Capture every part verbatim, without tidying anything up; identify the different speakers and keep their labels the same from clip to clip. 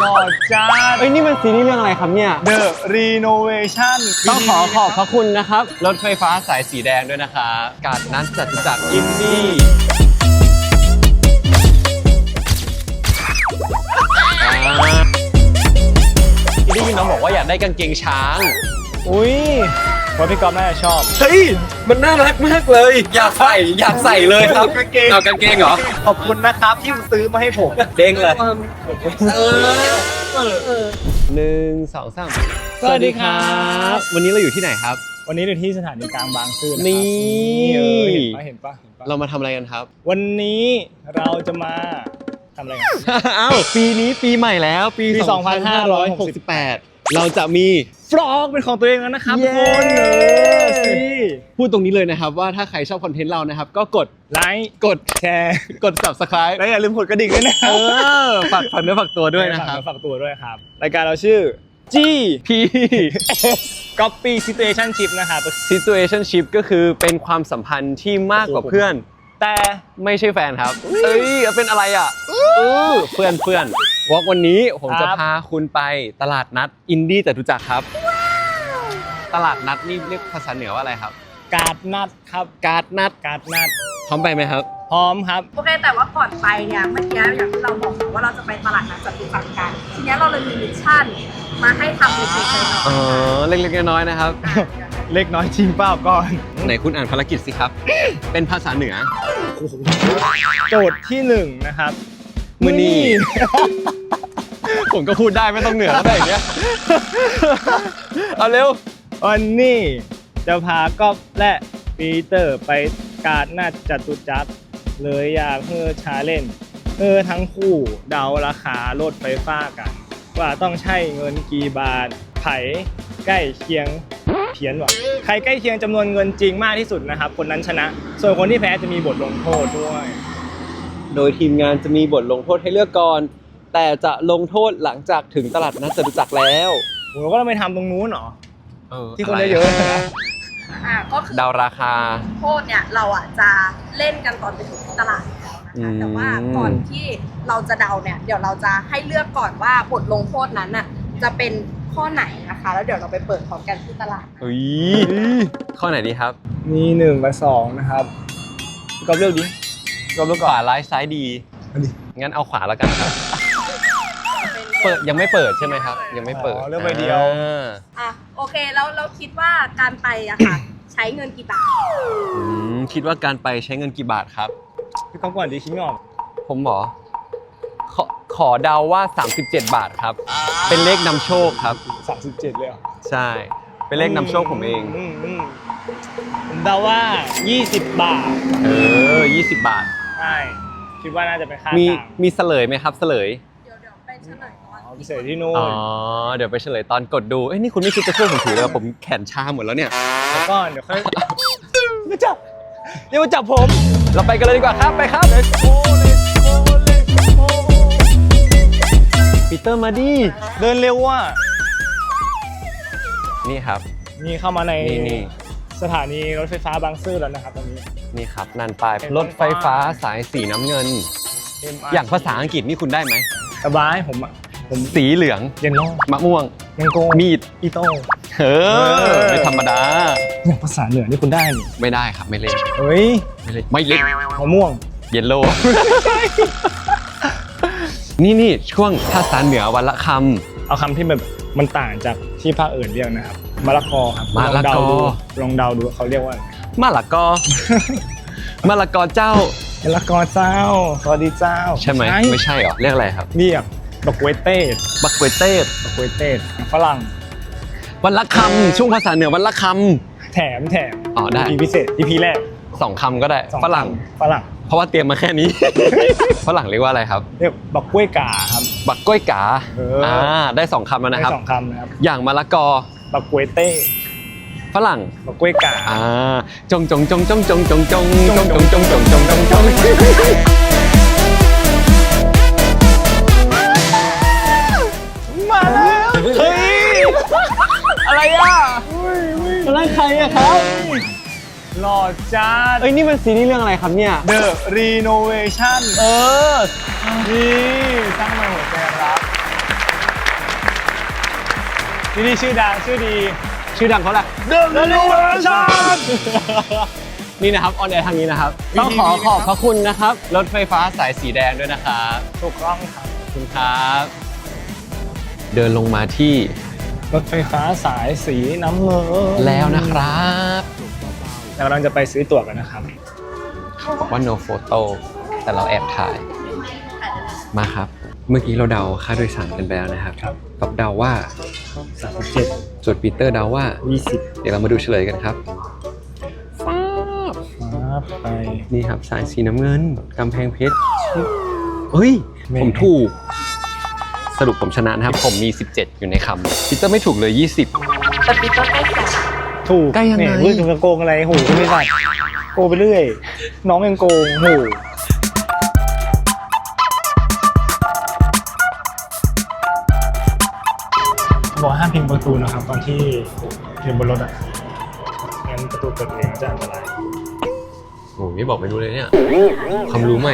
Speaker 1: หล่อจ้าเอ้ยนี่มันซีรีส์เรื่องอะไรครับเนี่ย
Speaker 2: The Renovation
Speaker 1: ต้องขอขอบพระคุณนะครับรถไฟฟ้าสายสีแดงด้วยนะคะการนัดจตุจักรอินดี้อินดี้น้องบอกว่าอยากได้กางเกงช้าง
Speaker 2: อุ้ยเพราะพี่ก๊อฟน่าจะชอบ
Speaker 1: เฮ้ยมันน่ารักมากเลยอยากใส่อยากใส่เลยครับกางเกงเอากางเกงเหรอ
Speaker 2: ขอบคุณนะครับที่ซื้อมาให้ผม
Speaker 1: เด้งเลยหนึ่งสองสามสวัสดีครับวันนี้เราอยู่ที่ไหนครับ
Speaker 2: วันนี้อยู่ที่สถานีกลางบางซื่อนะครับ
Speaker 1: นี่
Speaker 2: เออเห็นปะเห็นปะเห็นปะ
Speaker 1: เรามาทำอะไรกันครับ
Speaker 2: วันนี้เราจะมาทำอะไรกัน
Speaker 1: อ้าวปีนี้ปีใหม่แล้วปี
Speaker 2: ปี
Speaker 1: สองพันห้าร้อยหกสิบแปด เราจะมี
Speaker 2: ฟลอกเป็นของตัวเองแล้วนะครับ
Speaker 1: เย้
Speaker 2: คนเออสิ
Speaker 1: พูดตรงนี้เลยนะครับว่าถ้าใครชอบคอนเทนต์เรานะครับก็กด
Speaker 2: ไลค์
Speaker 1: กด
Speaker 2: แชร์
Speaker 1: กด ซับสไครบ์
Speaker 2: และอย่าลืมกดกระดิ่งด้วยนะค
Speaker 1: เอ
Speaker 2: รับ
Speaker 1: อฝากฝากเนื้อฝากตัวด้วยนะครับ
Speaker 2: ฝากตัวด้วยครับรายการเราชื่อ G
Speaker 1: พี่
Speaker 2: Copy Situationship นะครับ
Speaker 1: situationship ก็คือเป็นความสัมพันธ์ที่มากกว่าเพื่อน
Speaker 2: แต่
Speaker 1: ไม่ใช่แฟนครับเอ้ยเป็นอะไรอ่ะเออเพื่อนเพื่อนวอล์กวันนี้ผมจะพาคุณไปตลาดนัดอินดี้จตุจักรครับ ตลาดนัดนี่เรียกภาษาเหนือว่าอะไรครับ
Speaker 2: กาดนัดครับ
Speaker 1: การ์ดนัด
Speaker 2: กาดนัด
Speaker 1: พร้อมไปไหมครับ
Speaker 2: พร้อมครับ
Speaker 3: โอเคแต่ว่าก่อนไปเนี่ยเมื่อกี้อย่างที่เราบอกว่าเราจะไปตลาดนัดจตุจักรกันทีนี้เราเลยมีมิชชั่นมาให้ทำเล็กๆน้อย
Speaker 1: อ๋อเล็กๆน้อยๆนะครับ
Speaker 2: เล็กน้อยจริงเปล่าก่อน
Speaker 1: ไหนคุณอ่านภารกิจสิครับ เป็นภาษาเหนือ
Speaker 2: โจทย์ที่หนึ่งนะครับ
Speaker 1: มือนี่ ผมก็พูดได้ไม่ต้องเหนือแล้วแบบนี้ เอาเร็ว
Speaker 2: วันนี้จะพาก๊อฟและปีเตอร์ไปกาดนัดจตุจักรเลยอยากเพื่อชาเล่นเพื่อทั้งคู่เดาราคารถไฟฟ้ากัน ว่าต้องใช้เงินกี่บาทไผใกล้เคียงเพี้ยนว่ะใครใกล้เคียงจำนวนเงินจริงมากที่สุดนะครับคนนั้นชนะ ส่วนคนที่แพ้จะมีบทลงโทษด้วย
Speaker 1: โดยทีมงานจะมีบทลงโทษให้เลือกก่อน แต่จะลงโทษหลังจากถึงตลาดนัดจตุจักรแล้ว
Speaker 2: ผมก็ต้องไปทำตรงนู้นเหรอ
Speaker 1: เออ
Speaker 2: ที่คนเยอะๆนะ
Speaker 3: ๆอ่ะก็คือ
Speaker 1: เดาราคา
Speaker 3: โทษเนี่ยเราอ่ะจะเล่นกันตอนไปถึงที่ตลาดแล้ว
Speaker 1: อื
Speaker 3: นะคะ
Speaker 1: ม
Speaker 3: แต่ว่าก่อนที่เราจะเดาเนี่ยเดี๋ยวเราจะให้เลือกก่อนว่าบทลงโทษนั้นน่ะจะเป็นข้อไหนนะคะ แล้วเดี๋ยวเราไปเปิดพร้อมกันที่ตลาด
Speaker 1: เฮ้ยข้อไหนดีครับ
Speaker 2: มีหนึ่งกับสองนะครับพี่ก๊อฟเลือกดิพี่ก๊อฟเลือก
Speaker 1: ข
Speaker 2: ก่อน
Speaker 1: วาร้ายซ้ายดี
Speaker 2: อันนี้
Speaker 1: งั้นเอาขวาแล้วกันครับ เปิดยังไม่เปิดใช่ไหมครับ ยังไม่เปิด
Speaker 2: อ๋อเลือกใบเดียว
Speaker 1: อ่า
Speaker 3: อ่ะโอเคแล้วเราคิดว่าการไปอะค่ะ ใช้เงินกี่บาท
Speaker 1: อืมคิดว่าการไปใช้เงินกี่บาทครับ
Speaker 2: พี่ก๊อฟก่อนดีคิดไม่ออก
Speaker 1: ผมหมอขอขอเดาว่า สามสิบเจ็ด บาทครับ เป็นเลขนำโชคครับ
Speaker 2: สามสิบเจ็ดเลยเหรอ
Speaker 1: ใช่ เป็นเลขนำโชคผมเอง
Speaker 2: มมอืมผมเดาว่ายี่สิบบาท
Speaker 1: เออยี่สิบบาท
Speaker 2: ใช่คิดว่าน่าจะเป็นค่า
Speaker 1: มี
Speaker 2: กลาง
Speaker 1: มีเฉลยไหมครับเฉลย
Speaker 3: เดี๋ยวเดี๋ยวไปเฉลยก่อน
Speaker 2: อ๋อพิเศษที่นู่น
Speaker 1: อ๋อ เดี๋ยวไปเฉลยตอนกดดู เอ้ยนี่คุณไม่คิดจะช่วยผมถือเลยผมแขนชาหมดแล้วเนี่ย
Speaker 2: แล้วก็เดี๋ยวค่อยมาจับเดี๋ยวมาจับผม
Speaker 1: เราไปกันเลยดีกว่าครับ ไปครับ
Speaker 2: Let's go Let's go Let's go
Speaker 1: ปีเตอร์มาดิ
Speaker 2: เดินเร็วว่ะ
Speaker 1: นี่ครับ
Speaker 2: นี่เข้ามาใน
Speaker 1: นี่นี่
Speaker 2: สถานีรถไฟฟ้าบางซื่อแล้วนะครับตอนนี้
Speaker 1: นี่ครับนันปลายรถไฟฟ้าสายสีน้ำเงิน อย่างภาษาอังกฤษนี่คุณได้ไหม
Speaker 2: สบายผมอ่ะผม
Speaker 1: สีเหลือง
Speaker 2: เยนโล่
Speaker 1: มะม่วง
Speaker 2: แมงโก้
Speaker 1: มีด
Speaker 2: อีโต้
Speaker 1: เออ ไม่ธรรมดา
Speaker 2: อย่างภาษาเหนือนี่คุณได้นี่
Speaker 1: ไม่ได้ครับ ไม่เล่น
Speaker 2: เฮ้ย
Speaker 1: ไม่เล่น ไม่เล่น
Speaker 2: มะม่วง
Speaker 1: เยลโล่ นี่นี่ช่วงภาษาเหนือวันละค
Speaker 2: เอาคำที่แบบมันต่างจากที่ภาคอื่นเรียกนะครับมะละกอครับ
Speaker 1: มะละกอ
Speaker 2: ลองเดาดูลองเดาดูเขาเรียกว่าอะไร
Speaker 1: ำมะละกอ มะละกอเจ้า
Speaker 2: มะละกอเจ้าสวัสดีเจ้า
Speaker 1: ใช่ไหมไม่ใช่เหรอ เรียกอะไรครับ
Speaker 2: เรียกดอกเวเต้
Speaker 1: บักกวยเต้
Speaker 2: ดอกเวเต้ฝรั่ง
Speaker 1: วันละคำช่วงภาษาเหนือวันละค
Speaker 2: แถมแถม
Speaker 1: อ๋อได้
Speaker 2: อีพีพิเศษอีพีแรก
Speaker 1: ำสองคำก็ได้
Speaker 2: สอ
Speaker 1: ฝรั่ง
Speaker 2: ฝรั่ง
Speaker 1: เพราะว่าเตรียมมาแค่นี้ ฝรั่งเรียกว่าอะไรครับ
Speaker 2: เรียกบักกล้วยกาครับ
Speaker 1: บักก้อยกา
Speaker 2: เอออ่
Speaker 1: อ่าได้สองคำแล้ว
Speaker 2: ได้
Speaker 1: นะครับ
Speaker 2: สองคำนะครับ
Speaker 1: อย่างมะละกอ
Speaker 2: บักกวยเต้
Speaker 1: ฝรั่ง
Speaker 2: บักกล้วยกา
Speaker 1: อ่าจงจงจงจงจงจงจงจงจงจงจงจงจงจง
Speaker 2: มาแล้วเฮ้ยอะไรอ่ะ
Speaker 1: อะไรใครอะครับ
Speaker 2: หล่อจ้า
Speaker 1: เอ้ยนี่มันซีรีส์เรื่องอะไรครับเนี่ย
Speaker 2: The Renovation
Speaker 1: เออ
Speaker 2: นี่สร้างมาหัวใจรักซีรีส์ชื่อดังชื่อดี
Speaker 1: ชื่อดังเขาแหละ
Speaker 2: The Revolution
Speaker 1: นี่นะครับออนแอร์ทางนี้นะครับ ต้องขอขอบพระคุณนะครับ รถไฟฟ้าสายสีแดงด้วยนะครับ
Speaker 2: ถูกต้องครับ
Speaker 1: ขอบคุณครับ เดินลงมาที่
Speaker 2: รถไฟฟ้าสายสีน้ำเงิน
Speaker 1: แล้วนะครับ
Speaker 2: เรากำลังจะไปซื้อตั๋วกันนะครับ
Speaker 1: บอกว่า no photo แต่เราแอบถ่าย มาครับ เมื่อกี้เราเดาค่าโดยสารกันไปแล้วนะครับ
Speaker 2: ครับ
Speaker 1: กับเดาว่า
Speaker 2: สามสิบเจ็ด
Speaker 1: ส่วนปีเตอร์เดาว่า
Speaker 2: ยี่สิบ
Speaker 1: เดี๋ยวเรามาดูเฉลยกันครับฟ้าบ
Speaker 2: ครับไป
Speaker 1: นี่ครับสายสีน้ำเงินกำแพงเพชรเฮ้ย
Speaker 2: แม่
Speaker 1: ผมถูก สรุปผมชนะนะครับ ผมมี สิบเจ็ด อยู่ในคำปีเตอร์ไม่ถูกเลย ยี่สิบ
Speaker 3: แต่ปีเตอร์ใกล้แสน
Speaker 2: ถูก
Speaker 1: ใกล้ยังไง
Speaker 2: เนี่ยเฮ้ยจะโกงอะไรโหก็ไม่ได้โกงไปเรื่อย น้องยังโกงโหบอกห้ามพิงประตูนะครับตอนที่อยู่บนรถอ่ะงั้นประตูเปิดเองจะอันตราย
Speaker 1: โอ้ยไม่บอกไม่รู้เลยเนี่ยความรู้ใหม่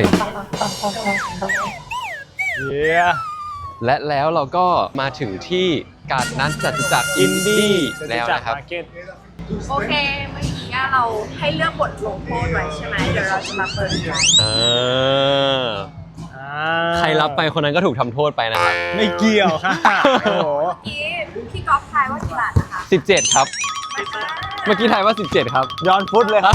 Speaker 2: เย้
Speaker 1: และแล้วเราก็มาถึงที่กาดนัดจตุจักรอินดี้แล้วนะครับ
Speaker 2: มาร์เก็ต
Speaker 3: โอเค เมื่อกี้เราให้เลือกบทลงโทษไว้ใช่ไหมเดี๋ยวเราจะมาเปิดกัน
Speaker 1: เออ ใครรับไปคนนั้นก็ถูกทำโทษไปนะครับ
Speaker 2: ไม่เกี่ยวค่ะโอ้โห
Speaker 3: เมื่อกี้พี่ก๊อฟทายว่ากี่บาทนะคะ
Speaker 1: สิบเจ็ด ครับ เมื่อกี้ทายว่า สิบเจ็ด ครับ
Speaker 2: ย้อนฟุตเลยครับ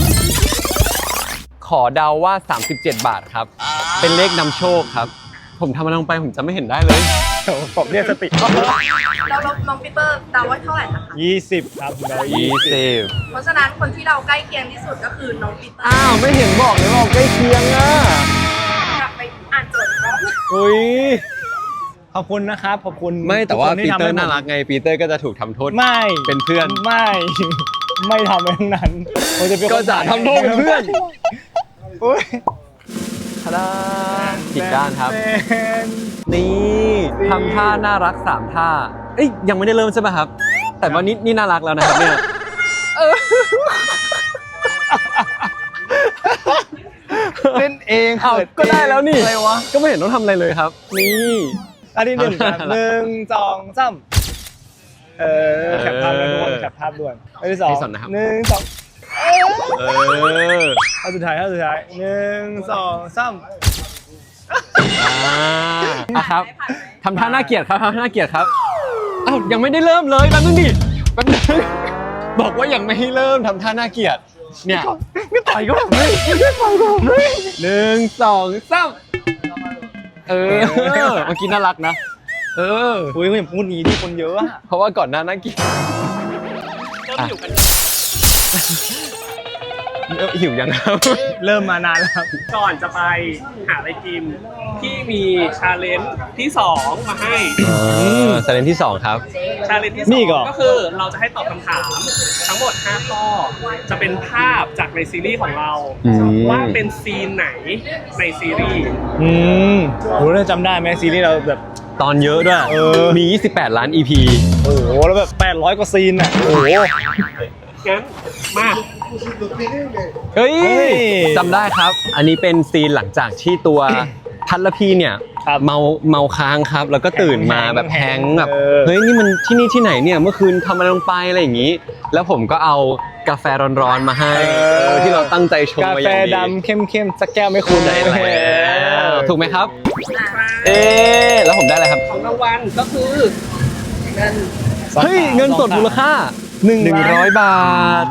Speaker 1: ขอเดาว่า สามสิบเจ็ด บาทครับ เป็นเลขนำโชคครับ ผมทำมันลงไปผมจะไม่เห็นได้เลย
Speaker 2: ผมเรียกสติ
Speaker 3: เราน้องปีเตอร์เดาว่าเท่าไหร่นะคะ
Speaker 2: ยี่สิบครับเดายี่
Speaker 1: ยี่
Speaker 2: สิบ
Speaker 1: สิบ
Speaker 3: เพราะฉะนั้นคนที่เราใกล้เคียงที่สุดก็คือน้องปีเตอร์
Speaker 1: อ้าวไม่เห็นบอกเลยว่าใกล้เคียงอ่ะ
Speaker 3: กลับไปอ่านโจทย์ก่อน
Speaker 1: อุ้ย
Speaker 2: ขอบคุณนะครับ ขอบคุณ
Speaker 1: ไม่แต่ว่า
Speaker 2: ทุกคน
Speaker 1: ปี
Speaker 2: ที่ทำ
Speaker 1: เตอ
Speaker 2: ให้
Speaker 1: ร์น่ารักไงปีเตอร์ก็จะถูกทำโทษ
Speaker 2: ไม่
Speaker 1: เป็นเพื่อน
Speaker 2: ไม่ ไม่ทำไปทั้งนั้นผมจะเป็นคน
Speaker 1: ก็จะทำโทษเป็นเพื่อน
Speaker 2: อุ้ย
Speaker 1: ทาดาผิดด้านครับ
Speaker 2: เป็น
Speaker 1: นี่ทำท่าน่ารักสามท่า เอ้ยยังไม่ได้เริ่มใช่ไหมครับ แต่ว่านี่นี่น่ารักแล้วนะครับเนี่ยเออ
Speaker 2: เล่นเอง
Speaker 1: เอา
Speaker 2: เขิน
Speaker 1: ก็ได้แล้วนี่
Speaker 2: อะไรวะ
Speaker 1: ก็ไม่เห็นต้องทำอะไรเลยครับ นี่
Speaker 2: อันที่หนึ่งครับ
Speaker 1: เอาละ
Speaker 2: หนึ่งสองสามเออแคปภาพด่วนแคปภาพด่วนอันที่สอง
Speaker 1: ที่สองนะครับ
Speaker 2: หนึ่งสอง
Speaker 1: เออ
Speaker 2: เอาสุดท้ายเอาสุดท้ายหนึ่งสองสาม
Speaker 1: อ่าอ่ะครับทำท่าน่าเกลียดครับทำท่าน่าเกลียดครับอ้าวยังไม่ได้เริ่มเลยแป๊บนึงดิแป๊บนึงบอกว่ายังไม่ให้เริ่มทำท่าน่าเกลียดเนี่ย
Speaker 2: ไม่ต่อยก็แบบนี้ไม่ต่อยก็แบบนี้
Speaker 1: หนึ่งสองสามเออเมื่อกี้น่ารักนะ เออ
Speaker 2: อุ้ยอย่าพูดงี้ดิคนเยอะอะ
Speaker 1: เพราะว่าก่อนหน้าน่าเกลียด
Speaker 4: เริ่มอยู่กัน
Speaker 1: เออหิวยังครับ
Speaker 2: เริ่มมานานแล้วครับ
Speaker 4: ก่อนจะไปหาอะไรกินที่มีชาเลนจ์ที่สองมาให้
Speaker 1: อ่าสเลนที่สองครับ
Speaker 4: ชาเลนจ์ที่ส
Speaker 2: นี่
Speaker 4: อง
Speaker 2: ก่อน
Speaker 4: ก็คือเราจะให้ตอบคำถามทั้งหมดห้าข้อ จะเป็นภาพจากในซีรีส์ของเรา
Speaker 1: อืม
Speaker 4: ว่าเป็นซีนไหนในซีรีส์
Speaker 2: อืมโหเราจำได้ไหมซีรีส์เราแบบ
Speaker 1: ตอนเยอะด้วย
Speaker 2: เออ
Speaker 1: มียี่สิบแปดล้าน อี พี
Speaker 2: โอ้โหแล้วแบบแปดร้อยกว่าซีนอ่ะโอ้โห
Speaker 4: งั้นมา
Speaker 1: เฮ้ย
Speaker 2: เฮ้ย
Speaker 1: จำได้ครับ อันนี้เป็นซีนหลังจากที่ตัวพัทรพีเนี่ย
Speaker 2: ครับ
Speaker 1: เมาเมาค้างครับ แล้วก็ตื่นมาแบบ
Speaker 2: แฮ
Speaker 1: แฮ
Speaker 2: ง
Speaker 1: ง
Speaker 2: ค์
Speaker 1: ค์แบบ
Speaker 2: เออ
Speaker 1: เฮ้ยนี่มันที่นี่ที่ไหนเนี่ยเมื่อคืนทำอะไรลงไปอะไรอย่างนี้ แล้วผมก็เอากาแฟร้อนๆมาให้เออที่เราตั้งใจชง
Speaker 2: กา
Speaker 1: มาอ
Speaker 2: แฟ
Speaker 1: ย่างดี
Speaker 2: ดำเข้มๆสักแก้วไม่คุณ
Speaker 1: ได้แล้วถูกไหมครับ
Speaker 3: อ่ะ
Speaker 1: เอ๊ะแล้วผมได้อะไรครับ
Speaker 4: ของรางวัลก็คือ
Speaker 3: เงิน
Speaker 1: เฮ้ยเงินสดมูลค่าหนึ่งร้อยบาท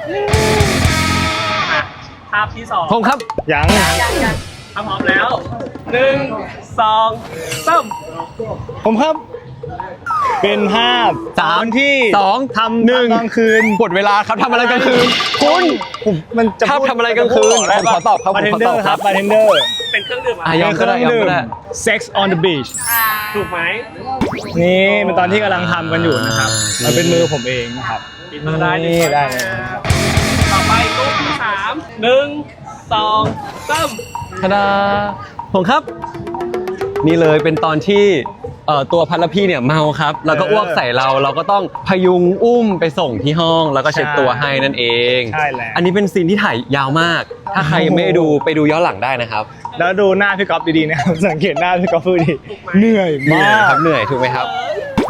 Speaker 4: อ่ะภาพที่สอง
Speaker 1: ผมครับ
Speaker 2: ยัง
Speaker 3: ยังยัง
Speaker 4: ถ้าพร้อมแล้วหนึ่งสองสาม
Speaker 2: ผมครับ เป็นภาพ
Speaker 1: สาม
Speaker 2: ตอนที่
Speaker 1: สอง
Speaker 2: ทำ
Speaker 1: หนึ่ง
Speaker 2: ตอนกลางคืน
Speaker 1: หมดเวลาครับทำอะไรกลางคืนคุณ
Speaker 2: ผมมันจะ
Speaker 1: ชอบ
Speaker 2: พูด
Speaker 1: ทำอะไรกลางคืน
Speaker 2: ได้
Speaker 1: ผมขอตอบครับ
Speaker 2: บาร์เทน
Speaker 1: ผมขอ
Speaker 2: เด
Speaker 1: ต
Speaker 2: อ
Speaker 1: อบ
Speaker 2: ร์
Speaker 1: ค
Speaker 2: ค
Speaker 1: รั
Speaker 2: รับ บ บาร์เทนเดอร์
Speaker 4: เป็นเครื่องดื่มอะ
Speaker 1: อ่ะ
Speaker 4: ไร
Speaker 1: ยอมก็ได้ยอมก็ได้
Speaker 2: Sex on the beach
Speaker 3: อ่า
Speaker 4: ถูกไหม
Speaker 2: นี่เป็นตอนที่กำลังทำกันอยู่นะครับ
Speaker 1: อ่ามั
Speaker 2: มันเป็นมือผมเองนะครับ
Speaker 4: ปิดมาได้หนึ่ง
Speaker 2: นี่ได้
Speaker 4: ช้
Speaker 2: เล
Speaker 4: อย น
Speaker 2: นะครับ
Speaker 4: ต่อไปรูปที่สามหนึ่งสองสาม
Speaker 1: ทาดาผมครับ นี่เลยเป็นตอนที่เอ่อตัวพัทรพีเนี่ยเมาครับ แล้วก็อ้วกใส่เราเราก็ต้องพยุงอุ้มไปส่งที่ห้อง แล้วก็เช็ดตัวให้นั่นเอง
Speaker 2: ใช่แล้ว
Speaker 1: อันนี้เป็นซีนที่ถ่ายยาวมาก ถ้าใครยังไม่ได้ดูไปดูย้อนหลังได้นะครับ
Speaker 2: แล้วดูหน้าพี่ก๊อฟดีๆนะครับ สังเกตหน้าพี่ก๊อฟพูดดีเหนื่อย
Speaker 1: เหนื่
Speaker 2: มา
Speaker 1: อย
Speaker 2: ก
Speaker 1: ครับเหนื่อยถูกไหมครับ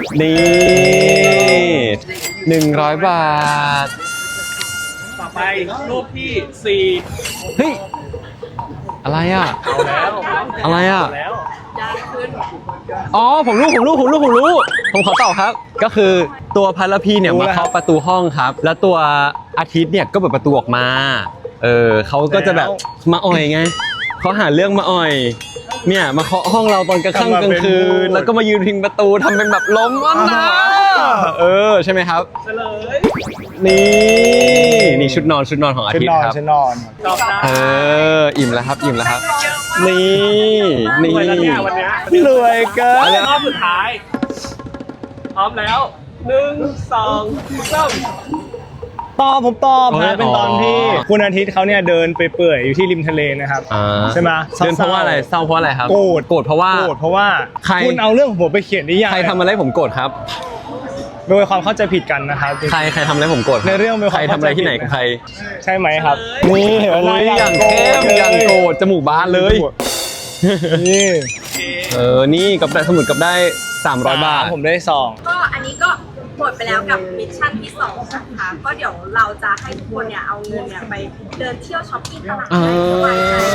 Speaker 1: นี่หนึ่งร้อยบาท
Speaker 4: ต่อไปรูปที่สี่
Speaker 1: เฮ้ย อะไรอ่ะ
Speaker 4: เอาแล้ว
Speaker 1: อะไรอ่ะ
Speaker 4: เอาแล้ว
Speaker 3: ยากขึ้น
Speaker 1: อ๋อ ผมรู้ ผมรู้ ผมรู้ ผมรู้ ผมขอตอบครับ ก็คือตัวพัลพีเนี่ยมาเคาะประตูห้องครับ แล้วตัวอาทิตย์เนี่ยก็เปิดประตูออกมา เออเขาก็จะแบบมาอ่อยไงเขาหาเรื่องมาอ่อย เนี่ยมาเคาะห้องเราตอนกลางค่ำกลางคืน แล้วก็มายืนพิงประตูทำเป็นแบบล้มอันนะเออ ใช่ไหมครับ
Speaker 4: เฉลย
Speaker 1: นี่ นี่ชุดนอนชุดนอนของอา
Speaker 2: ชุด
Speaker 1: ทิต
Speaker 2: น
Speaker 1: ย์
Speaker 2: อน
Speaker 1: ครับ
Speaker 2: ชุดนอน
Speaker 4: ตอบได้
Speaker 1: เออ อิ่มแล้วครับ อิ่มแล้วครับ นี่ นี่
Speaker 4: รวยแล้วเนี่ยวันเนี้ย
Speaker 2: รวยเกิน
Speaker 4: รอบสุดท้ายพร้อมแล้วหนึ่งสองสาม
Speaker 2: ตอบผมตอบ
Speaker 1: โอ้ย
Speaker 2: นะเป็นตอนที่
Speaker 1: อ๋อ
Speaker 2: คุณอาทิตย์เขาเนี่ยเดินไปเปื่อยอยู่ที่ริมทะเลนะครับ
Speaker 1: อ่า
Speaker 2: ใช่ไหม
Speaker 1: เดินเพราะว่าอะไรเศร้าเพราะอะไรครับ
Speaker 2: โกรธ
Speaker 1: โกรธเพราะว่า
Speaker 2: โกรธเพราะว่า
Speaker 1: ใคร
Speaker 2: คุณเอาเรื่องของผมไปเขียนนิยาย
Speaker 1: ใครทำอะไรผมโกรธครับ
Speaker 2: โดยความเข้าใจผิดกันนะครับ
Speaker 1: ใครใครทำอะไรผมโกรธคบ
Speaker 2: ในเรื่องมีความ
Speaker 1: ใครทำอะไรที่ไหนกับใคร
Speaker 2: ใช่ไหมครับ นี่เห็นไหม
Speaker 1: โอ้ยอย่างเข้มอย่างโกรธจมูกบานเลย
Speaker 2: นี่
Speaker 1: เออ นี่กับได้สมุดกับได้สามร้อยบาท
Speaker 2: ผมได้สอง
Speaker 3: ก็อันนี้ก็หมดไปแล้วกับมิชชั่นที่สองนะคะ ก็เดี๋ยวเราจะให้ทุกคนเนี่ยเอาเงินเนี่ยไปเดินเที่ยวช้อปปิ้งตลาด
Speaker 1: เอ
Speaker 3: ให้สบายใจ
Speaker 1: อ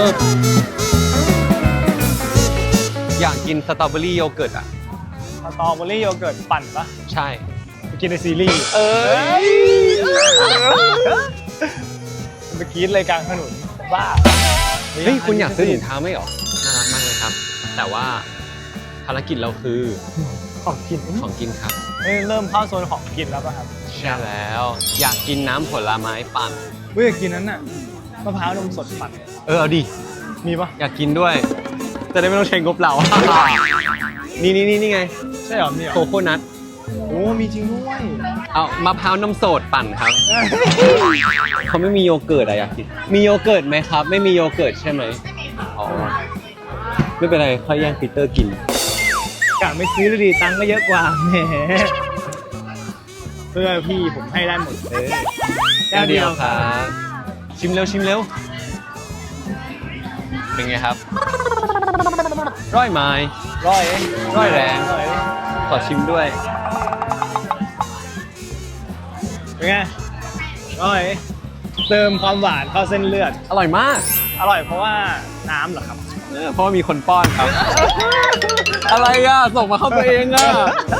Speaker 1: อยากกินสตรอเบอรี่โยเกิร์ตอ่ะ
Speaker 2: สตรอเบอรี่โยเกิร์ตปั่นปะ
Speaker 1: ใช่
Speaker 2: ไปกินในซีรีส์
Speaker 1: เออ
Speaker 2: ไปกินเลยกลางถนนบ้า
Speaker 1: เฮ้ย คุณอยากซื้อถุงเท้าไหมหรอ น่ารักมากเลยครับ แต่ว่าภารกิจเราคือ
Speaker 2: ของกิน
Speaker 1: ของกินครับ
Speaker 2: เอ้ยเริ่มเข้าโซนของกินแล้วป่ะครับ
Speaker 1: ใช่แล้ว อยากกินน้ำผลไม้ปั่น
Speaker 2: เฮ้ยอยากกินนั้นน่ะมะพร้าวนมสดปั่น
Speaker 1: เออ เอาดิ
Speaker 2: มีปะ
Speaker 1: อยากกินด้วย จะได้ไม่ต้องใช้งบเรา นี่นี่นี่นี่ไง
Speaker 2: ใช่เหรอมีเหรอ
Speaker 1: โคโคนัท
Speaker 2: โอ้มีจริงด้วย
Speaker 1: เอามะพร้าวนมสดปั่นครับ เขาไม่มีโยเกิร์ตอะอยากกิน มีโยเกิร์ตไหมครับ ไม่มีโยเกิร์ตใช่ไหมอ๋อ ไม่เป็นไร ค่อยแย่งปีเตอร์กิน
Speaker 2: กะไม่ซื้อเลยดีตังค์ก็เยอะกว่าแหมเพื่อพี่ผมให้ได้หมดเลยแก้วเดียวครับ
Speaker 1: ชิมเร็วชิมเร็ว เป็นไงครับ ร้อยไม้
Speaker 2: ร้อยเอง
Speaker 1: ร้อยแรง
Speaker 2: ร้อยเอง
Speaker 1: ขอชิมด้วย
Speaker 2: เป็นไงร้อยเติมความหวานเข้าเส้นเลือด
Speaker 1: อร่อยมาก
Speaker 2: อร่อยเพราะว่าน้ำเหรอครับ
Speaker 1: เออเพราะว่ามีคนป้อนครับ อะไรอ่ะ ส่งมาเข้าตัวเองอ่ะ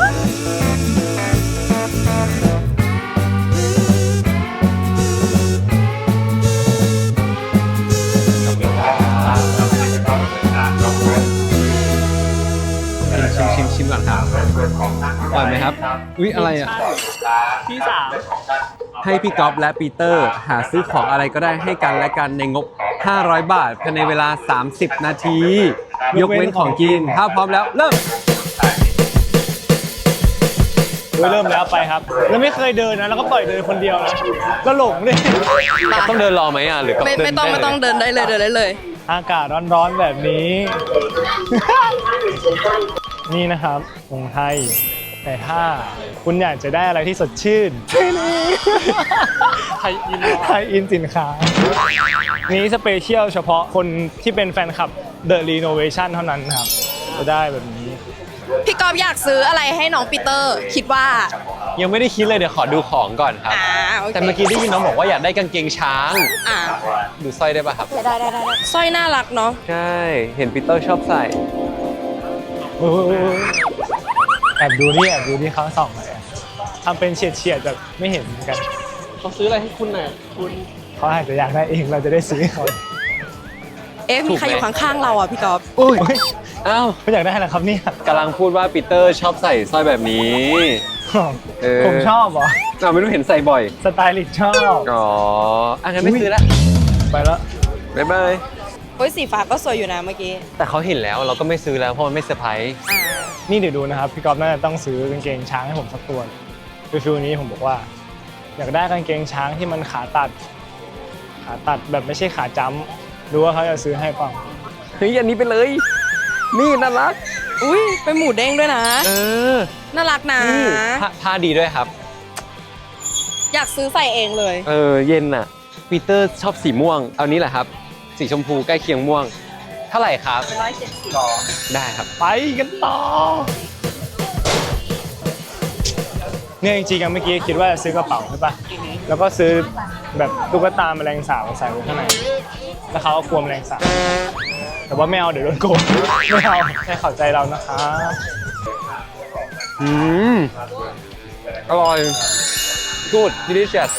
Speaker 1: ชิมชิมชิมก่อนครับอร่อยไหมครับ อุ๊ย อะไรอ่ะ
Speaker 4: ที่สาม
Speaker 1: ให้พี่ก๊อฟและปีเตอร์หาซื้อของอะไรก็ได้ให้กันและกันในงบ ห้าร้อย บาทภายในเวลา สามสิบ นาที ยกเว้นของกิน ถ้าพร้อมแล้ว เริ่ม
Speaker 2: เฮ้ยเริ่มแล้วไปครับ แล้วไม่เคยเดินนะ แล้วก็ปล่อยเดินคนเดียวนะก็หลงเลย
Speaker 1: ต้องเดินรอไหมอ่ะ หรือกับ
Speaker 3: ไม่
Speaker 1: เดิน
Speaker 3: ไม่ต้อง
Speaker 1: ด้
Speaker 3: ไม่ต้อง
Speaker 1: เลย
Speaker 3: เดินได้เลยเดินได้เลย
Speaker 2: อากาศร้อนๆแบบนี้ นี่นะครับของไทย แต่ถ้าคุณอยากจะได้อะไรที่สดชื่น
Speaker 4: ไทยอิน
Speaker 2: ไทยอินสินค้า นี้สเปเชียลเฉพาะคนที่เป็นแฟนคลับ The Renovation เท่านั้นครับ จะได้แบบนี้
Speaker 3: พี่กอฟอยากซื้ออะไรให้น้องปีเตอร์ คิดว่า
Speaker 1: ยังไม่ได้คิดเลยเดี๋ยวขอดูของก่อนครับ
Speaker 3: อ่าโอเค
Speaker 1: แต่เมื่อกี้ได้ยินน้องบอกว่าอยากได้กางเกงช้าง
Speaker 3: อ่า
Speaker 1: ดูสร้อยได้ป่ะครับ
Speaker 3: ได้ได้ได้สร้อยน่ารักเนาะ
Speaker 1: ใช่ เห็นปีเตอร์ชอบใส่
Speaker 2: โอ้ยแอบดูนี่แอบดูนี่เขาส่องเลยอะทำเป็นเฉียดเฉียดๆแบบไม่เห็นเหมือนกัน
Speaker 4: เขาซื้ออะไรให้คุณน่ะคุณ
Speaker 2: เขาอาจจะอยากได้เองเราจะได้ซื้อให้เขา
Speaker 3: เอ๊ะมีใครอยู่ข้างๆเราอ่ะพี่กอฟ
Speaker 1: อุ้ย อ้าว
Speaker 2: เขาอยากได้อะไรครับเนี่ย
Speaker 1: กำลังพูดว่าปีเตอร์ชอบใส่สร้อยแบบนี้ เออ
Speaker 2: ผมชอบเหรอ
Speaker 1: เราไม่รู้เห็นใส่บ่อย
Speaker 2: สไตลิสต์ชอบ
Speaker 1: อ๋ออ่ะงั้นไม่ซื้อละ
Speaker 2: ไปแล้ว
Speaker 1: บ๊ายบาย
Speaker 3: โอ้ยสีฟ้าก็สวยอยู่นะเมื่อกี้
Speaker 1: แต่เขาเห็นแล้วเราก็ไม่ซื้อแล้วเพราะมันไม่เซอร์ไพรส์
Speaker 3: อ่า
Speaker 2: นี่เดี๋ยวดูนะครับพี่ก๊อฟน่าจะต้องซื้อกางเกงช้างให้ผมสักตัวคือฟิลนี้ผมบอกว่า อยากได้กางเกงช้างที่มันขาตัด ขาตัดแบบไม่ใช่ขาจ้ำดูว่าเขาจะซื้อให้เปล่า
Speaker 1: เฮ้ยอันนี้ไปเลย นี่น่ารัก
Speaker 3: อุ้ยเป็นหมูเด้งด้วยนะ
Speaker 1: เออ
Speaker 3: น่ารักนะ
Speaker 1: นี่ผ้าผ้าดีด้วยครับ
Speaker 3: อยากซื้อใส่เองเลย
Speaker 1: เออเย็นอ่ะปีเตอร์ชอบสีม่วง เอานี้แหละครับ สีชมพูใกล้เคียงม่วง เท่าไหร่ครับ
Speaker 3: ร้อยเจ็ดสิบ
Speaker 1: ได้ครับ
Speaker 2: ไปกันต่อเนี่ยจริงๆอะเมื่อกี้คิดว่าจะซื้อกระเป๋าใช่ปะแล้วก็ซื้อแบบตุ๊กตาแมลงสาบใส่ไว้ข้างในแล้วเขาก็กลัวแมลงสาบแต่ว่าไม่เอาเดี๋ยวโดนโกงไม่เอาให้เข้าใจเรานะคะ
Speaker 1: อืมอร่อย good delicious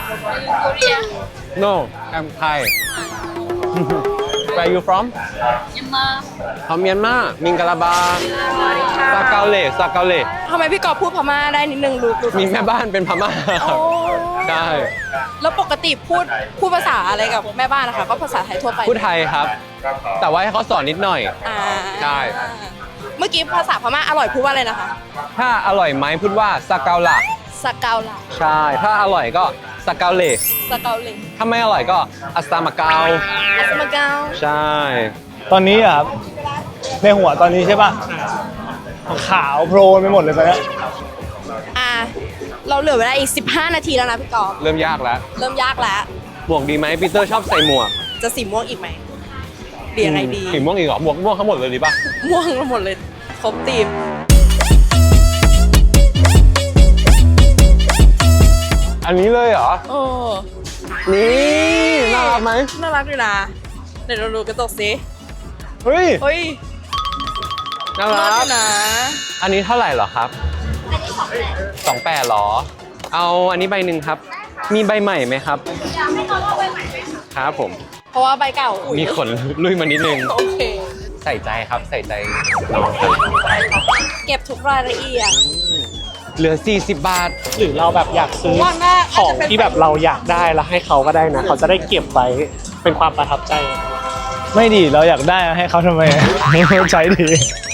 Speaker 1: no I'm Thai where you from เขาเมียนมามิงกะลาบาซาเกาเลซาเกาเล
Speaker 3: ทำไมพี่กอฟพูดพม่าได้นิดนึงรู้รู้
Speaker 1: มีแม่บ้านเป็นพม่า
Speaker 3: โอ้
Speaker 1: ใช่
Speaker 3: แล้วปกติพูดพูดภาษาอะไรกับแม่บ้านนะคะก็ภาษาไทยทั่วไป
Speaker 1: พูดไทยครับ แต่ว่าให้เขาสอนนิดหน่อย
Speaker 3: อ่า
Speaker 1: ใช่
Speaker 3: เมื่อกี้ภาษาพม่าอร่อยพูดว่าอะไรนะคะ
Speaker 1: ถ้าอร่อยไหมพูดว่าซาเกาลา
Speaker 3: สเกาล่ะ
Speaker 1: ใช่ ถ้าอร่อยก็ซาเกาเล
Speaker 3: สเกาเลย
Speaker 1: ถ้าไม่อร่อยก็อัสตามาเกา
Speaker 3: อัสมาเกา
Speaker 1: ใช่
Speaker 2: ตอนนี้อะครับในหัวตอนนี้ใช่ปะขาวโพลนไปหมดเลยตอนเนี้ย
Speaker 3: อ่าเราเหลือเวลาอีกสิบห้านาทีแล้วนะพี่กอฟ
Speaker 1: เริ่มยากแล้ว
Speaker 3: เริ่มยากแล้ว
Speaker 1: หมวกดีไหมปีเตอร์ชอบใส่หมวก
Speaker 3: จะสีม่วงอีกไหมเปลี่ยนอะไรดี
Speaker 1: สีม่วงอีกเหรอหมวกม่วงทั้งหมดเลยดีป่ะ
Speaker 3: ม่วงหมดเลยครบทีม
Speaker 1: อันนี้เลยเหรอ
Speaker 3: โอ้
Speaker 1: นี่น่ารักไหม
Speaker 3: น่ารักอยู่นะเดี๋ยวเราดูกระจกสิ
Speaker 2: เฮ้ย
Speaker 3: เฮ้ย
Speaker 1: น่า
Speaker 3: น่า
Speaker 1: รั
Speaker 3: รั
Speaker 1: ก
Speaker 3: กอยู่นะ
Speaker 1: อันนี้เท่าไหร่เหรอครับสองแปดหรอ เอาอันนี้ใบหนึ่งครับ มีใบใหม่ไหมครับครับผม
Speaker 3: เพราะว่าใบเก่าอุ๊ย
Speaker 1: มีขนลุยมานิดนึง
Speaker 3: โอเค
Speaker 1: ใส่ใจครับ ใส่ใจน้องครับ
Speaker 3: เก็บทุกรายละเอียด
Speaker 1: เหลือสี่สิบบาท
Speaker 5: หรือเราแบบอยากซื้อ
Speaker 3: ว่าน่า
Speaker 5: ของที่แบบเราอยากได้แล้วให้เขาก็ได้นะ เขาจะได้เก็บไว้เป็นความประทับใจ
Speaker 2: ไม่ดีเราอยากได้ให้เขาทำไมใช้ดี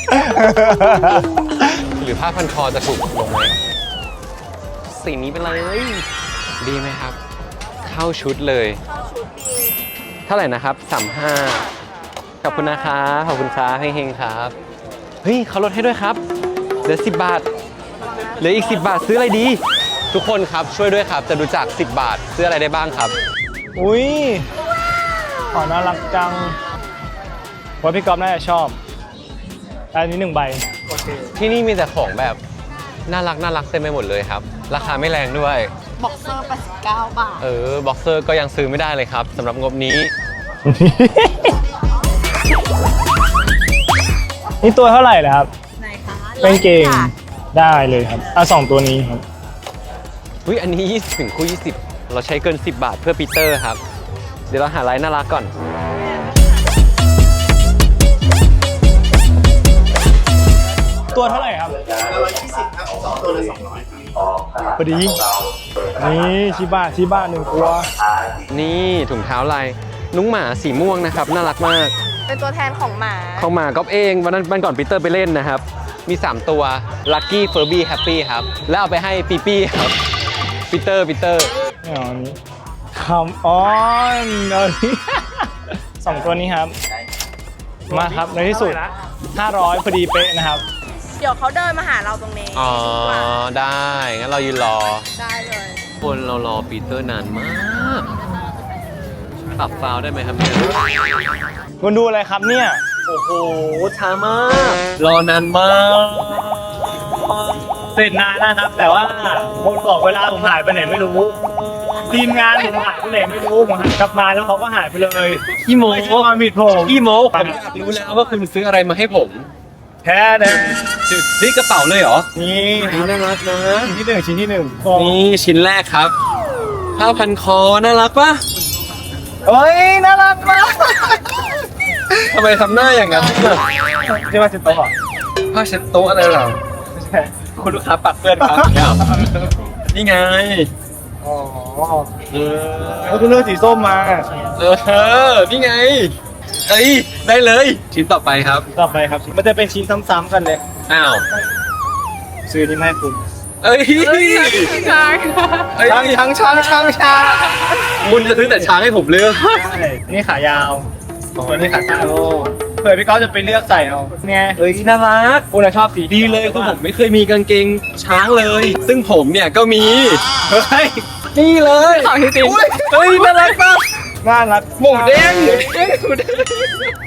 Speaker 1: หรือผ้าพันคอจะถูกลงไหมสีนี้ไปเลย ดีไหมครับ เข้าชุดเลย
Speaker 3: เข้าชุดดี
Speaker 1: เท่าไหร่นะครับสามห้าขอบคุณนะครับขอบคุณครับเฮงๆครับ เฮ้ยเขาลดให้ด้วยครับ เหลือสิบบาท เหลืออีกสิบบาทซื้ออะไรดี ทุกคนครับช่วยด้วยครับ จะดูจากสิบบาทซื้ออะไรได้บ้างครับ
Speaker 2: อุ้ยอ๋อน่ารักจังว่าพี่ก๊อฟน่าจะชอบ อันนี้หนึ่งใบ
Speaker 1: ที่นี่มีแต่ของแบบน่ารักน่ารักเต็มไปหมดเลยครับ ราคาไม่แรงด้วย
Speaker 3: บ็อกเซอร์แปดสิบเก้าบาท
Speaker 1: เออบ็อกเซอร์ก็ยังซื้อไม่ได้เลยครับสำหรับงบนี้
Speaker 2: นี่ตัวเท่าไหร่เลยครับ
Speaker 3: ไหนคะ
Speaker 2: เป็นเกง
Speaker 3: ค่ะ
Speaker 2: ได้เลยครับอ่ะสองตัวนี้ครับ
Speaker 1: เฮ้ยอันนี้ยี่สิบถึงคู่ยี่สิบเราใช้เกินสิบบาทเพื่อปีเตอร์ครับ เดี๋ยวเราหาไลน์น่ารักก่อน
Speaker 2: ตัวเท่าไหร่ครับพอดี นี่ชิบะชิบะหนึ่งตัว
Speaker 1: นี่ถุงเท้าลายนุ้งหมาสีม่วงนะครับ น่ารักมาก
Speaker 3: เป็นตัวแทนของหมา
Speaker 1: ของหมาก๊อฟเองวันนั้นวันก่อนปีเตอร์ไปเล่นนะครับ มีสามตัว Lucky Furby Happy ครับ แล้วเอาไปให้ปีปี้ครับปีเตอร์ปีเตอร์
Speaker 2: ไม่เอาอันนี้คำออนเอาอันนี้ สองตัวนี้ครับ มาครับในที่สุด ห้าร้อยพอดีเป๊ะนะครับ
Speaker 3: เดี๋ยวเขาเดินมาหาเราตรงนี้
Speaker 1: อ๋อ ได้ งั้นเรายืนรอ
Speaker 3: ได้เลย
Speaker 1: คนเรารอปีเตอร์นานมากปรับฟาวได้ไหมครับเนี่ย
Speaker 2: คุณดูอะไรครับเนี่ย
Speaker 5: โอ้โห ช้ามาก รอนานมาก เสร็จนานนะครับ แต่ว่าคนบอกเวลาผมหายไปไหนไม่รู้ ทีมงานผมหายไปไหนไม่รู้ผมหันกลับมาแล้วเขาก็หายไปเลย
Speaker 1: อีโม
Speaker 5: ไม่ใช่ความผิดผม
Speaker 1: อีโมผมอยากรู้แล้วว่าคุณซื้ออะไรมาให้ผม
Speaker 2: แพ้นะ
Speaker 1: นี่กระเป๋าเลยเหรอ
Speaker 2: นี่
Speaker 1: น่ารักนะ
Speaker 2: ชิ้นที่หนึ่งชิ้นที่หนึ่ง
Speaker 1: นี่ชิ้นแรกครับผ้าพันคอน่ารักปะ
Speaker 2: เฮ้ยน่ารักมาก
Speaker 1: ทำไมทำหน้าอย่างนั้น
Speaker 2: นี่มาเช็ดโต๊ะเหรอ
Speaker 1: ผ้าเช็ดโต๊ะอะไรเหรอ
Speaker 2: ไม่ใช่
Speaker 1: คุณลูกค้าปักเปื้อนครับนี่ไง
Speaker 2: อ๋อ
Speaker 1: เออ
Speaker 2: แล้วก็เลือกสีส้มมา
Speaker 1: เออนี่ไงเอ้ยได้เลยชิ้นต่อไปครับ
Speaker 2: ต่อไปครับ มันจะเป็นชิ้นซ้ำๆกันเลย
Speaker 1: อ้าว
Speaker 2: ซื้อนี่มาให้คุณ
Speaker 1: เอ้ยช้าง
Speaker 2: ช้างช้างช้างช้างช้าง
Speaker 1: คุณจะซื้อแต่ช้างให้ผมเลือก
Speaker 2: ใช่นี่ขายาวตัวนี้ขาสั้นเผื่อพี่ก้าวจะไปเลือกใส่เอาไง
Speaker 1: เอ้ยน่ารัก
Speaker 2: คุณชอบสี
Speaker 1: ดีเลยคือผมไม่เคยมีกางเกงช้างเลย ซึ่งผมเนี่ยก็มี
Speaker 2: เฮ้ย
Speaker 1: นี่เลยเฮ้ยน่ารักปะ
Speaker 2: น่ารัก
Speaker 1: หมูเด้งหมูเด้ง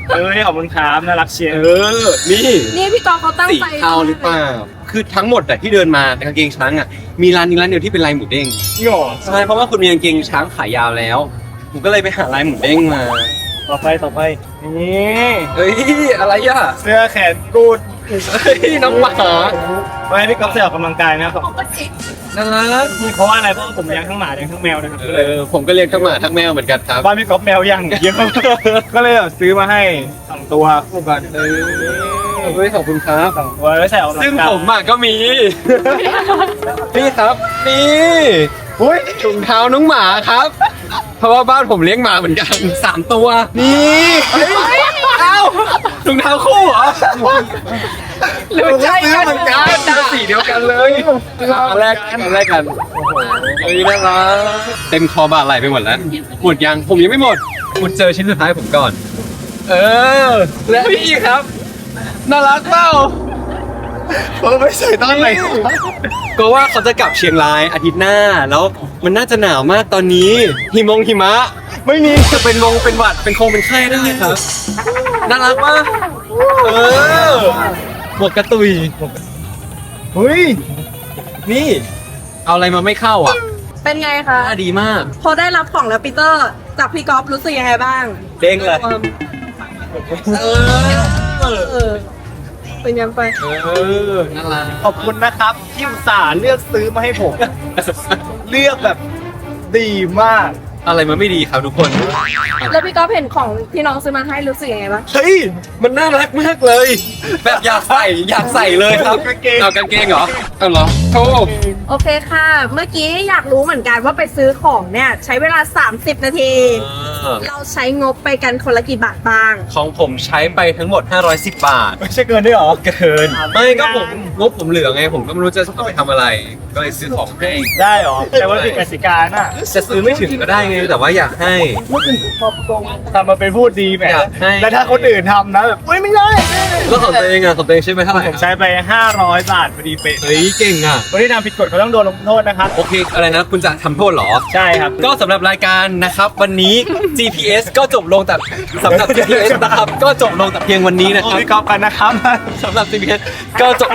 Speaker 2: เอ้ยขอบคุณครับน่ารักเชียร์
Speaker 1: เออ นี่
Speaker 3: นี่พี่กอล์ฟเขาตั้ง
Speaker 1: สี
Speaker 3: ใจ
Speaker 1: เทาหรือเปล่า คือทั้งหมดแต่ที่เดินมากางเกงช้างอ่ะ มีร้านนี้ร้านเดียวที่เป็นลายหมูเด้ง
Speaker 2: หย่อ
Speaker 1: ใช่ เพราะว่าคุณมีกางเกงช้างขายาวแล้ว ผมก็เลยไปหาลายหมูเด้งมา
Speaker 2: ต่อไปต่อไปนี่
Speaker 1: เฮ้ย อะไรอ่ะ
Speaker 2: เสื้อแขนกูด
Speaker 1: เฮ้ย น้องหมา
Speaker 2: ไว้ให้พี่ก๊อฟใส่ออกกำลังกายนะครับ
Speaker 1: น่ารัก
Speaker 2: เพราะว่าอะไรเพราะว่าผมเลี้ยงทั้งหมาเลี้ยงทั้งแมวนะครับ
Speaker 1: เออ ผมก็เลี้ยงทั้งหมาทั้งแมวเหมือนกันครับ
Speaker 2: บ้านพี่ก๊อฟแมวยังเยอะมากก็เลยแบบซื้อมาให้สองตัวคู่กัน
Speaker 1: เออเฮ้ยขอบคุณครับ
Speaker 2: สองตัวไว้ใส่ออกกำลังกาย
Speaker 1: ซึ่งผมอ่ะก็มี นี่ครับ นี่อุ้ยถุงเท้าน้องหมาครับ เพราะว่าบ้านผมเลี้ยงหมาเหมือนกันสามตัว นี่เฮ้ยเอ้าถุงเท้าคู่เหรอหรือมันใช่กันเหมือนกันสีเดียวกันเลยอันแรกอันแรกกันเฮ้ยน่ารักเต็มคอบาไหลไปหมดแล้วหมดยังผมยังไม่หมดหมดเจอชิ้นสุดท้ายผมก่อน เออและพี่ครับน่ารักเปล่า
Speaker 2: ผมไม่ใส่ตอนไหน
Speaker 1: ก็ว่าเขาจะกลับเชียงรายอาทิตย์หน้าแล้วมันน่าจะหนาวมากตอนนี้หิมงหิมะ ไม่มีจะเป็นวงเป็นหวัดเป็นคงเป็นไข้ได้ครับน่ารักปะเออหมวกกระตุย
Speaker 2: เฮ้ย
Speaker 1: นี่ เอาอะไรมาไม่เข้าอ่ะ
Speaker 3: เป็นไงคะ
Speaker 1: น่าดีมาก
Speaker 3: พอได้รับของแล้วปีเตอร์จากพี่กอล์ฟรู้สึกยังไงบ้าง
Speaker 1: เด้งเลยเออ
Speaker 3: เออเป็นยังไป
Speaker 1: เออน่ารัก
Speaker 2: ขอบคุณนะครับที่อุตส่าห์เลือกซื้อมาให้ผม เลือกแบบดีมาก
Speaker 1: อะไรมันไม่ดีครับทุกคน
Speaker 3: แล้วพี่กอล์ฟเห็นของที่น้องซื้อมาให้รู้สึกยังไงบ้าง
Speaker 1: เฮ้ยมันน่ารักมากเลย แบบอยากใส่อยากใส่เลยครับ
Speaker 2: กางเกง
Speaker 1: เอากางเกงเหรอเอาเหรอโธ่
Speaker 3: โอเคค่ะ เมื่อกี้อยากรู้เหมือนกันว่าไปซื้อของเนี่ยใช้เวลา สามสิบ นาที เราใช้งบไปกันคนละกี่บาทบ้าง
Speaker 1: ของผมใช้ไปทั้งหมดห้าร้อยสิบบาท
Speaker 2: ไม่ใช่เกินด้วยเหรอ
Speaker 1: เกิน ไม่ก็ผมงบผมเหลือไง ผมก็ไม่รู้จะเอาไปทำอะไร ก็เลยซื้อของให้
Speaker 2: ได้เหรอ แต่ว่าติดกติกาน่ะ
Speaker 1: จะซื้อไม่ถึงก็ได้ไง แต่ว่าอยากให้
Speaker 2: ทำมาเป็นพูดดีแหม
Speaker 1: อยากให้
Speaker 2: แล้วถ้าคนอื่นทำนะแบบเฮ้ยไม่ได้
Speaker 1: แล้วของตัวเองอะของตัวเองใช่ไหมเท่าไหร่
Speaker 2: ผมใช้ไปห้าร้อยบาทพอดีเป๊ะ
Speaker 1: เฮ้ยเก่งอะ
Speaker 2: คนที่ทำผิดกฎเขาต้องโดนลงโทษนะครับ
Speaker 1: โอเค อะไรนะ คุณจะทำโทษเหรอ
Speaker 2: ใช่ครับ
Speaker 1: ก็สำหรับรายการนะครับวันนี้ จี พี เอส ก็จบลงแต่สำหรับ จี พี เอส นะครับก็จบลงแต่เพียงวันนี้นะ
Speaker 2: โอ้
Speaker 1: ครับ
Speaker 2: พี่กอล์ฟกันนะครับ
Speaker 1: สำหรับ จี พี เอส ก็จบ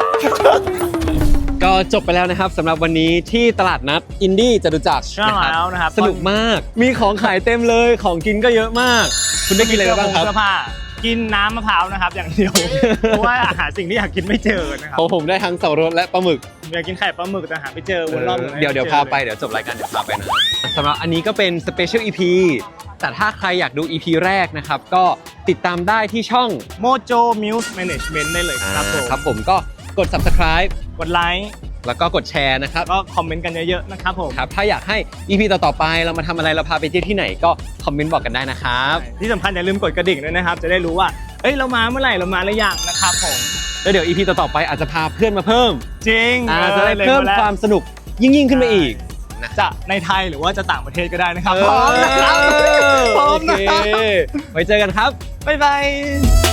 Speaker 1: ก็จบไปแล้วนะครับสำหรับวันนี้ที่ตลาดนัดอินดี้จตุจักร
Speaker 2: ใช่แล้วนะครับ
Speaker 1: สนุกมาก มีของขายเต็มเลยของกินก็เยอะมาก คุณได้กินอะไรไปบ้างครับ
Speaker 2: เสื้อผ้ากินน้ำมะพร้าวนะครับอย่างเดียว เพราะว่าหาสิ่งที่อยากกินไม่เจอนะครับ
Speaker 1: ของผมได้ทั้งเสารสและปลาหมึก
Speaker 2: ผมอยากกินไข่ปลาหมึกแต่หาไม่เจอวนรอบหมือน
Speaker 1: เดี๋ยวเดี๋ยว
Speaker 2: ม่จ
Speaker 1: พา
Speaker 2: อ
Speaker 1: ไปเดี๋ยวจบรายการเดี๋ยวพาไปนะสำหรับอันนี้ก็เป็นสเปเชียล อี พี แต่ถ้าใครอยากดู อี พี แรกนะครับก็ติดตามได้ที่ช่อง
Speaker 2: โมโจมิวส์แมネจเมนต์ได้เลยครับผม
Speaker 1: ครับผมก็กด Subscribe
Speaker 2: กดไลค์
Speaker 1: แล้วก็กดแชร์นะครับ
Speaker 2: ก็คอมเมนต์กันเยอะๆนะครับผม
Speaker 1: ครับถ้าอยากให้ อี พี ต่อๆไปเรามาทำอะไรเราพาไปเที่ยวที่ไหนก็คอมเมนต์บอกกันได้นะครับ
Speaker 2: ที่สำคัญอย่าลืมกดกระดิ่งด้วยนะครับ จะได้รู้ว่าเอ้ยเรามาเมื่อไหร่เรามาหรือยังนะครับผม
Speaker 1: แล้วเดี๋ยว อี พี ต่อๆไปอาจจะพาเพื่อนมาเพิ่ม
Speaker 2: จริง
Speaker 1: อ่าจะได้
Speaker 2: ลย
Speaker 1: เพิ่ม
Speaker 2: แล้
Speaker 1: ความสนุกยิ่งยิ่งๆขึ้นไปอีก
Speaker 2: จะในไทยหรือว่าจะต่างประเทศก็ได้นะครับ
Speaker 1: เออ
Speaker 2: พร้อมนะครับพร้อม
Speaker 1: โอ
Speaker 2: นะ
Speaker 1: เค
Speaker 2: ครับ
Speaker 1: ไว้เจอกันครับ
Speaker 2: บ๊ายบาย